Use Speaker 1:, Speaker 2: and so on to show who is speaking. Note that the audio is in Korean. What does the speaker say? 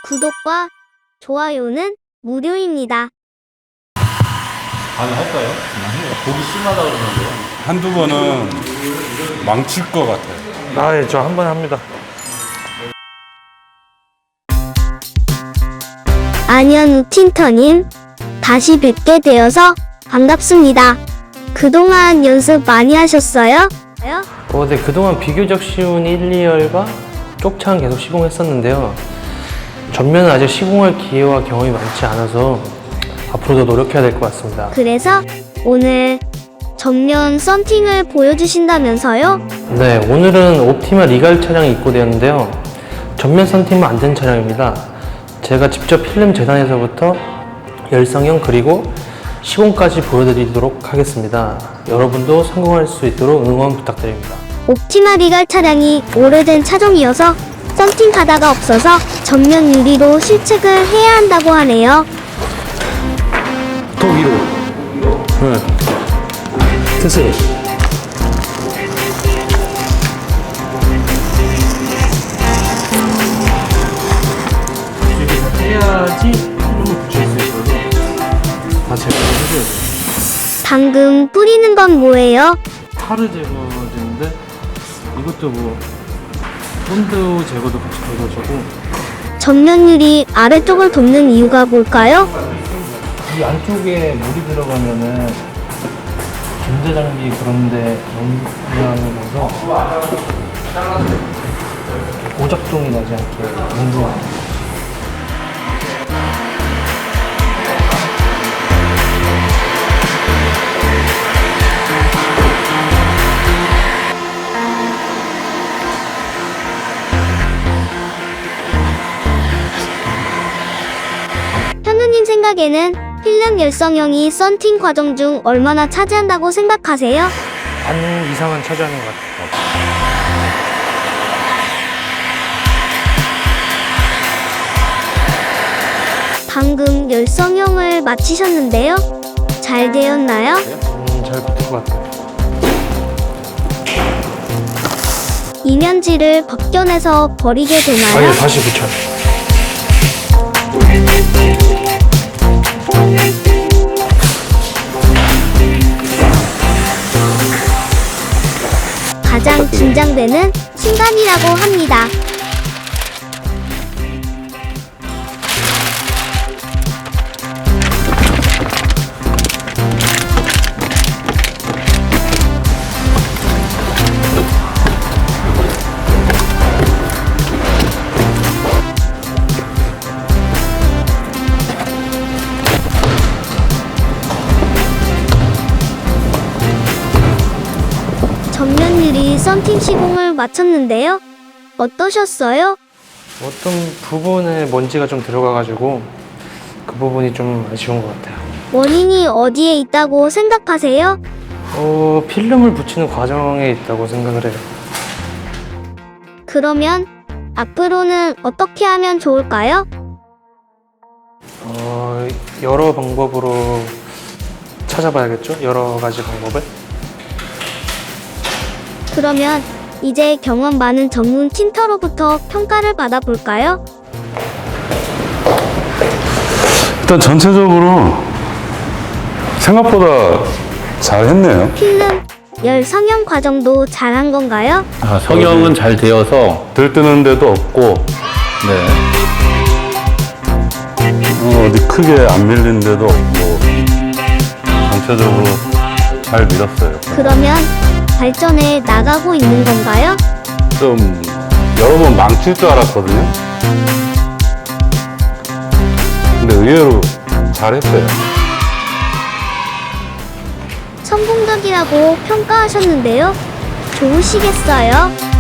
Speaker 1: 구독과 좋아요는 무료입니다.
Speaker 2: 아니 할까요? 그냥 해요. 보기 심하다 그러는데요.
Speaker 3: 한두 번은 망칠 것 같아요.
Speaker 4: 예, 저 한 번 합니다.
Speaker 1: 안현우 틴터님, 다시 뵙게 되어서 반갑습니다. 그동안 연습 많이 하셨어요?
Speaker 4: 네, 그동안 비교적 쉬운 1, 2열과 쪽창 계속 시공했었는데요. 전면은 아직 시공할 기회와 경험이 많지 않아서 앞으로도 노력해야 될 것 같습니다.
Speaker 1: 그래서 오늘 전면 썬팅을 보여주신다면서요?
Speaker 4: 네, 오늘은 옵티마 리갈 차량이 입고되었는데요. 전면 썬팅만 안 된 차량입니다. 제가 직접 필름 재단에서부터 열성형 그리고 시공까지 보여드리도록 하겠습니다. 여러분도 성공할 수 있도록 응원 부탁드립니다.
Speaker 1: 옵티마 리갈 차량이 오래된 차종이어서 썬팅 가다가 없어서 전면 유리로 실측을 해야 한다고 하네요.
Speaker 4: 더 위로. 네. 드세요. 이렇게 다 떼야지 필름을 붙일 수 있어서 다 제거를 해줘야 돼요.
Speaker 1: 방금 뿌리는 건 뭐예요?
Speaker 4: 타르 제거제인데 이것도 뭐 본드 제거도 같이 돼가지고
Speaker 1: 전면 유리 아래쪽을 돕는 이유가 뭘까요?
Speaker 4: 이 안쪽에 물이 들어가면은 전자장비 그런데 영향을 줘서 오작동이 나지 않게 연구합니다.
Speaker 1: 현우님 생각에는 필름 열성형이 썬팅 과정 중 얼마나 차지한다고 생각하세요?
Speaker 4: 반 이상은 차지하는 것 같아요.
Speaker 1: 방금 열성형을 마치셨는데요. 잘 되었나요?
Speaker 4: 잘 붙을 것 같아요.
Speaker 1: 이면지를 벗겨내서 버리게 되나요?
Speaker 4: 아니, 다시 붙여요.
Speaker 1: 가장 긴장되는 순간이라고 합니다. 전면 유리 썬팅 시공을 마쳤는데요. 어떠셨어요?
Speaker 4: 어떤 부분에 먼지가 좀 들어가가지고 그 부분이 좀 아쉬운 것 같아요.
Speaker 1: 원인이 어디에 있다고 생각하세요?
Speaker 4: 필름을 붙이는 과정에 있다고 생각을 해요.
Speaker 1: 그러면 앞으로는 어떻게 하면 좋을까요?
Speaker 4: 여러 방법으로 찾아봐야겠죠? 여러 가지 방법을.
Speaker 1: 그러면 이제 경험 많은 전문 틴터로부터 평가를 받아볼까요?
Speaker 3: 일단 전체적으로 생각보다 잘했네요.
Speaker 1: 필름 열 성형 과정도 잘한 건가요?
Speaker 2: 아, 성형은 잘 되어서
Speaker 3: 들뜨는 데도 없고
Speaker 2: 네.
Speaker 3: 어디 크게 안 밀린 데도 없고 전체적으로 잘 밀었어요.
Speaker 1: 그러면 발전해 나가고 있는 건가요?
Speaker 3: 좀 여러 번 망칠 줄 알았거든요. 근데 의외로 잘했어요.
Speaker 1: 성공적이라고 평가하셨는데요. 좋으시겠어요?